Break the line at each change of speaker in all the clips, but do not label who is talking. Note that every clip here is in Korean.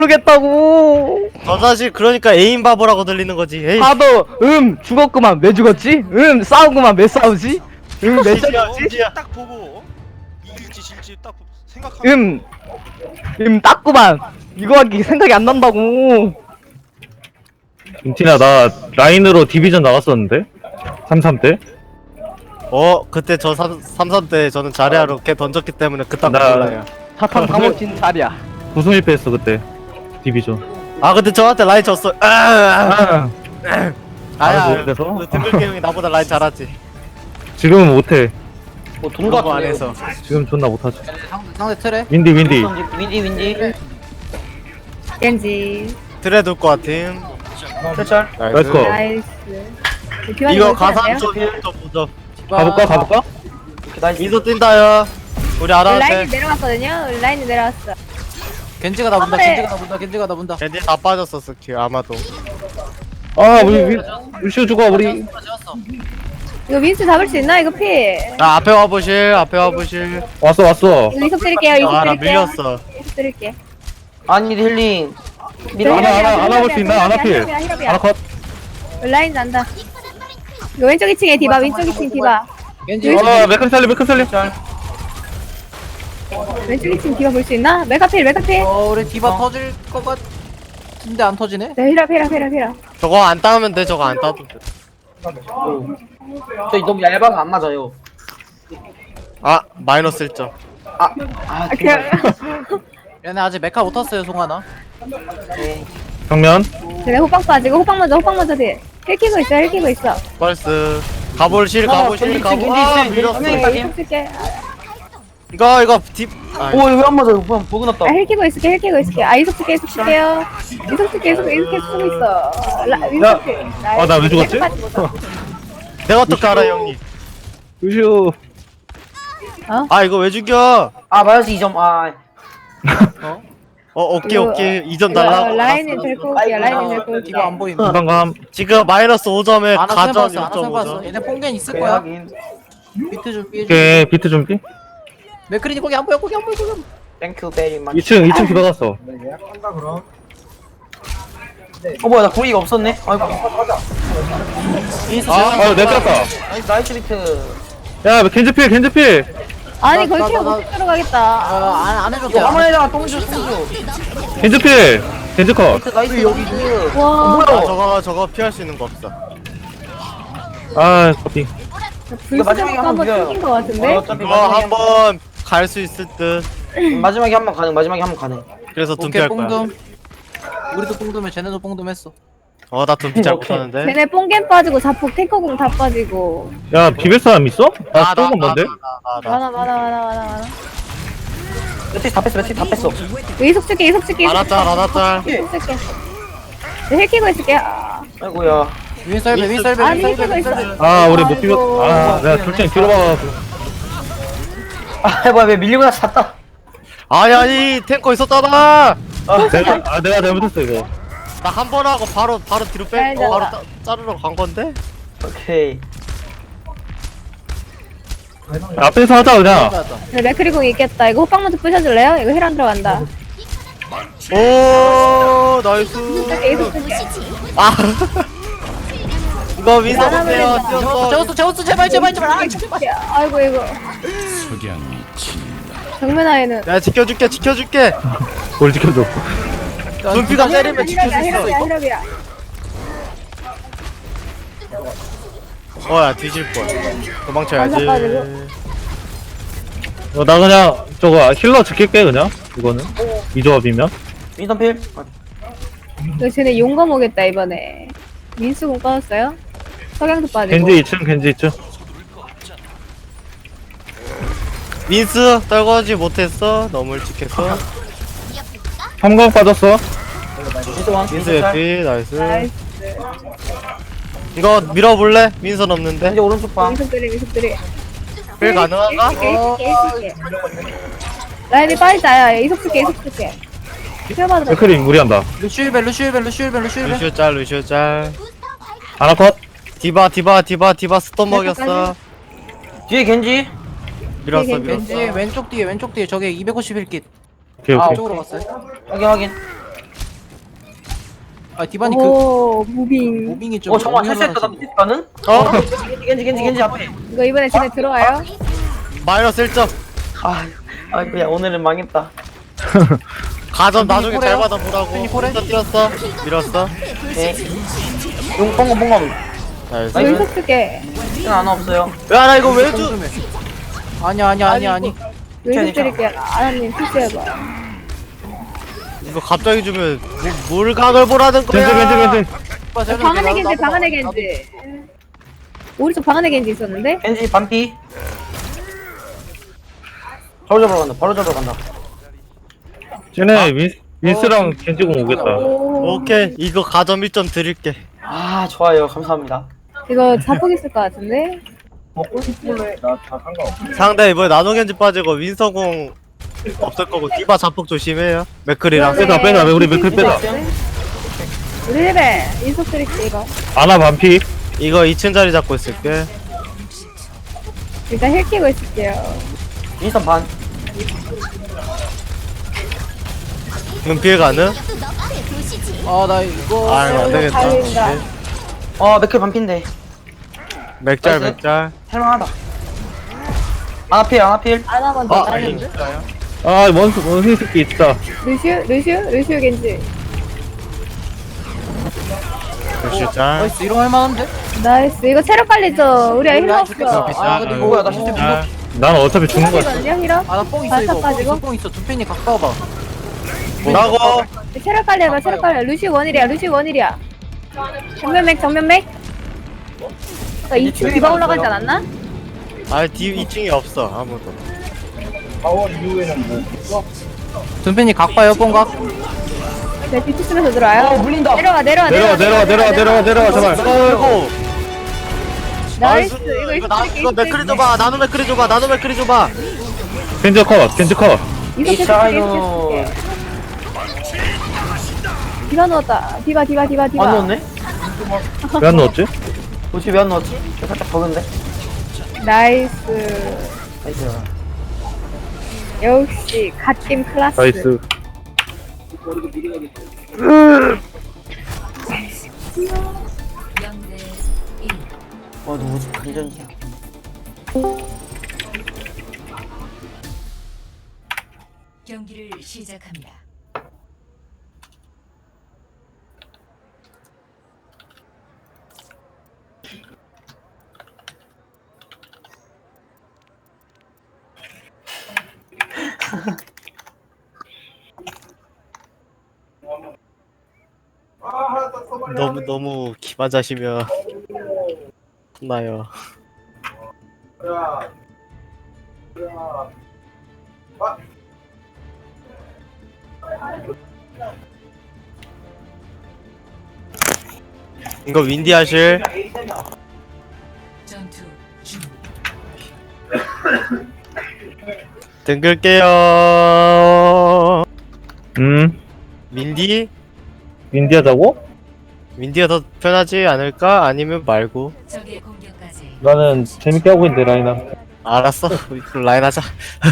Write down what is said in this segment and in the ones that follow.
모르겠다고.
저 사실 그러니까 애인 바보라고 들리는 거지. 에이.
하도 죽었구만 왜 죽었지? 싸우구만 왜 싸우지? 왜
진지야,
싸우지?
진지야.
딱 보고 이길지 질지 딱 생각하면
땄구만. 이거 하기 생각이 안 난다고.
인티나 나 라인으로 디비전 나갔었는데 33 때.
그때 저 33 때 저는 자리하러 걔 던졌기 때문에 그딴 거
나-
몰라요.
사탕 다 먹힌 자리야.
9승 1패 했어 그때 디비전.
아 근데 저한테 라인 졌어.
아,
아야.
그래서?
그 등글게 형이 나보다 라인 잘하지.
지금은 못해.
뭐 동갑
그거 안 해서.
지금 존나 못하지.
상대 틀에
윈디 윈디.
윈디
겐지
트레 둘것 같음.
철철
나이스 컷.
나이스
이거 가산 좀 보죠.
가볼까?
나이스
미소 뛴다요. 우리
라인이
아라한테.
내려왔거든요 라인이 내려왔어
겐지가 나 본다
그래.
겐지가 나 본다 겐지가 나 본다
쟤네 다 빠졌어 스킬 아마도.
아 우리 루시오 죽어 우리.
이거 민스 잡을 수 있나 이거 피
자 앞에 와보실. 앞에 와보실.
왔어.
이거 이속 드릴게요 이속
아나
드릴게요
밀렸어.
이속 드릴게
아니 힐링
하나 볼 수 있나? 하나 필. 하나 컷.
라인 난다 이거 왼쪽 2층에 디바 왼쪽 2층 디바
겐지
맥크리 살리 맥크리 살리.
왼쪽 2층 디바 볼 수 있나? 메카필 메카필
우리 디바 터질 것 같은데 안 터지네
네 히라
저거 안 따면 돼. 저거 안 따도 돼.
저 너무 얇아서 안 맞아요
아 마이너스 1점.
아 그냥
얘네 아직 메카 못 탔어요 송하나
정면.
쟤네 호빵 빠지고 호빵 먼저 딜 힐키고 있어 힐키고 있어
벌스. 가볼실 가보실 가보. 아 밀렸어.
네 이속 줄게
이거 딥. 아,
오왜안 맞아요 보고 났다
힐키고 있을게 아 이속 줄게요 이속 줄게 이속 계속 쓰고 있어
나 왜 죽었지?
내가 어떻게 알아 형님?
루시오.
아 이거 왜 죽여?
아 마이너스 2점 아
오케이 2점 달라.
라인을 데리고 올게요 라인을 데리고 올게
디바 안 보인다
부담감.
지금 마이너스 5점에
아나
가전
쌤 봤어
6.5점.
얘네 뽕겐 있을 거야 비트 좀 피해줘
오케이 비트 준비.
맥크리니 거기 안 보여 땡큐 베리 만
2층 들어갔어.
뭐야 나 고리가 없었네 아이고 인스
내 꼈다.
나이스 비트
야 겐지 필.
아니 거기
나-
키가
나-
못 들어가겠다
안 해줬대 화면에다가 똥주
겐지 필. 겐지 컷.
비트 나이스 여기
와
아 저거 피할 수 있는 거 없어.
아 커피.
마지막에
불스가
한번
한번
밀어요.
튕긴 거 같은데?
어차피
이거 한번 갈 수 있을 듯.
마지막에 한 번 가능
그래서
오케이
둠피할 거야.
뽕둠 우리도 뽕둠해 쟤네도 뽕둠했어
나 둠피 잘
오케이.
못하는데.
쟤네 뽕겐 빠지고 자폭 탱커공 다 빠지고
야 비빌 사람 있어? 나 조금 뭔데?
많아
매트릭 다 뺐어
이거 이속 줄게 이속 줄게
안았짤.
이속 줄게 힐 키고 있을게
아이고야 윈설베
아니 힐 키고 있어
아 우리 못 비볐.
아이고.
아 내가 둘째 뒤로 봐가지고.
아 뭐야 왜 밀리고 나서 잤다
아니 탱커 있었잖아.
내가 잘못했어 이거.
나 한 번 하고 바로 뒤로
잘
빼고 바로
잡아.
자르러 간 건데.
오케이
앞에서 하자 그냥.
네, 맥크리공 있겠다 이거 호빵 먼저 부셔줄래요? 이거 힐 안 들어간다
오 나이스.
이속 줄게
아 이거 윈서 보세요.
제우스 제발
아이고 이거 정면 아이는
내가 지켜줄게.
뭘 지켜줘.
둠피가 때리면 지킬 수 있어.
히럽이야
야 뒤질 걸. 도망쳐야지.
완전 빠지고.
나 그냥 저거 힐러 지킬게 그냥. 이거는 이 조합이면.
윈선필
이거 쟤네 용감 오겠다 이번에 민수공 빠졌어요? 석양도 빠지고
겐지 2층.
민스 떨궈지 못했어. 너무 일찍 했어.
삼각 빠졌어.
민스 예피 나이스.
나이스
이거 밀어볼래? 민선 없는데.
겐지 오른쪽 방
민석들이
빌 가능한가?
이속게 라인이 빠지자 이속 줄게 튀어받으라
맥크리 무리한다.
루시일벨
루시오 짤.
하나 컷.
디바 스톱 먹였어.
뒤에 겐지
밀었어
겐지 왼쪽 뒤에 저게 251킷
오케이.
쪽으로 갔어요
확인
아 디바니 그
오 무빙.
무빙이 좀
정말
너무
실수했다. 나
현란하시네.
밑에 가는? 겐지 앞에.
이거 이번에 쟤네 들어와요?
마이너스 1점.
그냥 오늘은 망했다.
가점 나중에 잘
포레요?
받아보라고.
포레?
일단 뛰었어. 밀었어.
네. 용 뽕검.
나이스.
나이스.
여기서 쓰게.
시간 하나 없어요.
야, 나 이거 왜 주?
꼼꼼해. 아니.
여기서 드릴게요. 아나님 필수해봐.
이거 갑자기 주면 뭘 각을 보라는 거야.
겐지.
방 안에 겐지, 방 안에 겐지. 오른쪽 방 안에 겐지 있었는데?
겐지 반피. 바로 잡으러 간다.
쟤네 윈스랑 겐지공 오겠다.
오.
오케이, 이거 가점 1점 드릴게.
좋아요. 감사합니다.
이거 자폭 있을 것 같은데?
상대 이번에 나노겐지 빠지고 윈서공 없을 거고 디바 자폭 조심해요. 맥클이랑.
빼다. 우리 맥클 빼다.
우리 레벨 인석 드릴게 이거.
아나 반피.
이거 2층 자리 잡고 있을게.
일단 힐 끼고 있을게요.
인스턴 반.
눈피해 가는?
아나 이거
아이고 안 되겠다.
달린다.
맥클 반피인데.
맥짤
나이스.
맥짤.
할만하다. 아나필.
아나 먼저
아,
달린다.
원숭이 새끼 있다.
루시우 겐지.
역시 짤.
나이스 이런 할만한데?
나이스. 이거 체력 관리죠. 우리 힐러 없어.
근데 이거
뭐야, 나 진짜
짤.
난 어차피 죽는 거야.
이거든요 힐러?
아나뽕 있어 이거
가지고?
뽕 있어 두 팬이 가까워봐
뭐라고?
체력 관리해봐. 체력 관리. 루시우 원일이야. 정면 맥. 나 2층 디바 올라가지 않았나?
아, 2층이 없어 아무도.
두 팬이 각봐요 뽕각
네, 뒤치 쓰면서 들어와요.
물린다.
내려와,
제발.
아이고.
나이스.
이거 맥클이 줘봐. 나노 맥클이 줘봐.
겐지 컷.
이거 계속
이차이노.
쓸게. 디바 넣었다. 디바.
안 넣었네?
왜 안 넣었지?
뭐지 왜 안 넣었지? 저 살짝 버그인데?
나이스.
나이스.
역시 갓김 클라스.
나이스.
누구지? 간전이야.
경기를 시작합니다.
너무 기만자시면 혼나요. 이거 윈디 하실?
전투 중.
등글게요. 윈디?
윈디하자고?
윈디가 더 편하지 않을까? 아니면 말고?
적의 공격까지
나는 재밌게 하고 있는데 라인아.
알았어. 그럼 라인 하자.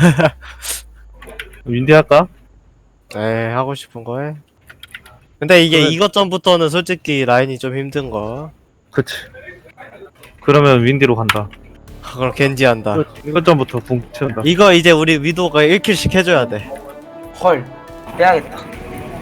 윈디 할까?
네, 하고 싶은 거 해. 근데 이게 이것 전부터는 솔직히 라인이 좀 힘든 거.
그치. 그러면 윈디로 간다.
그럼 겐지 한다.
이것 전부터 붕 채운다.
이거 이제 우리 위도가 1킬씩 해줘야 돼.
헐. 빼야겠다.
4,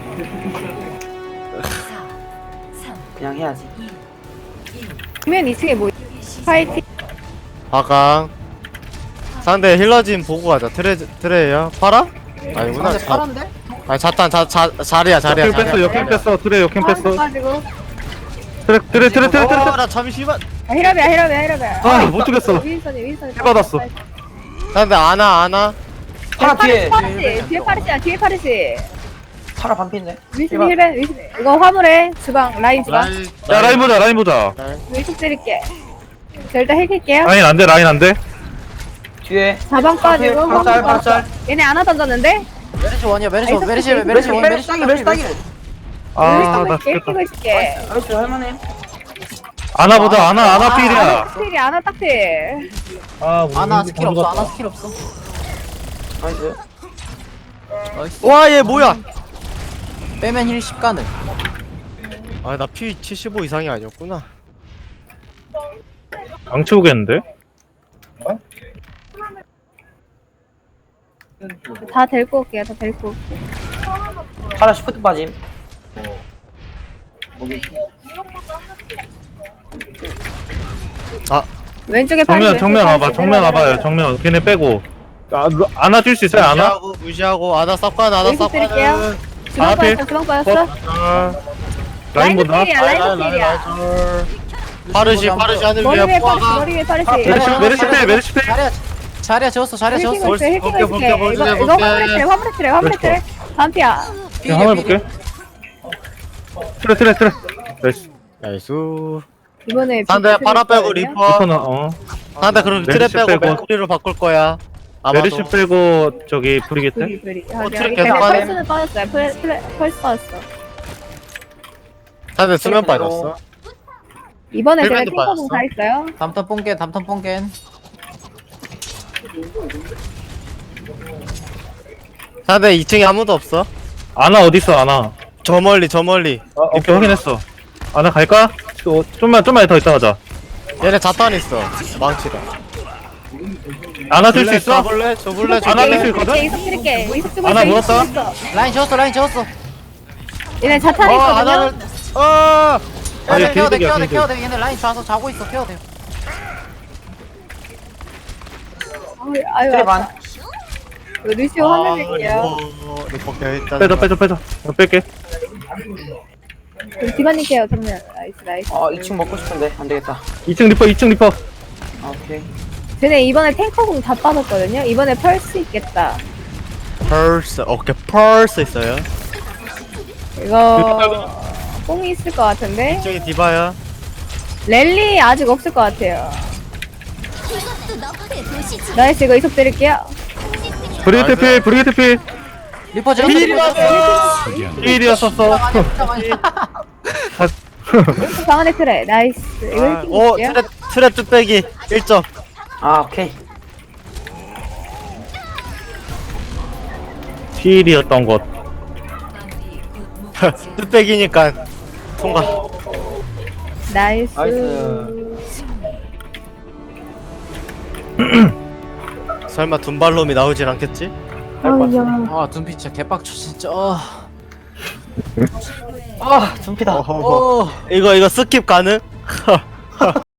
3,
그냥 해야지.
2, 1.
정면 2층에 뭐 파이팅.
화강. 상대 힐러진 보고 가자. 트레야. 팔아? 아니구나.
근데 파란데?
아니 자탄 자리야.
역행 뺐어. 트레 역행 뺐어.
가지고.
트레.
나 잠시만.
힐러비야.
못 죽였어.
윈선이.
받았어.
상대 아나.
파라 뒤에.
뒤에 파르시.
파라 반피인데.
위신 힐벤. 이거 화물에 라인 주방.
야 라인 보자.
위식 드릴게. 저 일단 힐킬게요.
라인 안 돼.
뒤에.
자방 빠지고 화물
파라
빠지고.
짤.
얘네 하나 던졌는데?
메르시 원이야 메르시 원
메르시
메르시 원
메르시
메르시
따기.
나
힐 끼고 있을게.
나이스 할만해.
아나 보자. 아나 필이야.
딱필이 하나 딱필.
아나 스킬 없어 아나 스킬 없어
나이스.
나이스
와, 얘 뭐야?
빼면 힐 10가능
아 나 피 75 이상이 아니었구나.
안 치우겠는데?
다 데리고 올게요. 다 데리고 올게요.
파라 시프트 빠짐.
왼쪽에 팔이
정면 와봐, 정면 와봐요, 정면. 걔네 빼고. 안아줄 수 있어요, 안아?
무시하고 아나 쌉관 아나
여기서 드릴게요.
쌉관은
주방
앞에.
빠졌어. 주방 빠졌어.
라인 본다.
필이야. 라인 필이야.
파르시 하늘
머리
위에
위에 파르시.
포화가
머리 위에 파르시.
메르시 필.
자리야 재웠어 자리야 재웠어.
힐킹 있어. 힐킹
볼게,
있어.
볼게,
이거
볼게.
화물에 트래. 화물에 트래. 반피야.
그냥 한번 볼게. 트레. 나이스.
나이스.
이번에
상대 파라 빼고
있거든요.
리퍼.
리퍼는, 어.
상대 그럼 트랩
메르시
빼고
빼고.
맥크리로 바꿀 거야. 아마도.
메르시 빼고, 저기, 브리게트?
브리.
트랙
여기
계속 하네.
펄스는 빠졌어요. 펄스 빠졌어.
상대 수면 빠졌어.
이번에 제가
힐밴드
탱커공 다 있어요.
담턴 뽕겐.
상대 2층에 아무도 없어.
아나 어딨어, 아나?
저 멀리.
오케이, 확인했어. 아나 갈까? 좀만 더 있다 가자.
얘네 자탄 있어. 망치다.
안아줄 수 있어?
줘볼래?
안아줄 수 있거든?
이석 드릴게. 이석 주고
하나
있어.
물었다?
이석 주고 있어.
라인 재웠어.
얘네 자탄 있거든요.
하나를
아니,
케어돼
개이득이야,
케어돼
개이득.
케어돼. 얘네 라인 좌서 자고 있어. 케어돼.
아유,
트레 반.
루시오 화면 낼게요.
리퍼 일단
빼자. 뺄게.
디바님 케어 정면. 나이스.
2층 먹고 싶은데 안 되겠다.
2층 리퍼.
아, 오케이.
쟤네 이번에 탱커공 다 빠졌거든요. 이번에 펄스 있겠다.
펄스. 오케이 펄스 있어요.
이거 뽕이 있을 것 같은데.
저기 디바야.
랠리 아직 없을 것 같아요. 나이스 이거 이석 드릴게요.
브리게트 필.
리퍼 재웠어.
필이었었어.
방 안에 트레. 나이스. 이거 힐킹
오
볼게요.
트랩 뚝배기 1점.
아, 오케이.
필이었던 것.
마무리 곧 목표지.
뚝배기니까 통과.
나이스.
설마 둔발놈이 나오진 않겠지?
아 둠피 진짜 개빡쳐 진짜.
아, 둠피다.
이거 스킵 가능?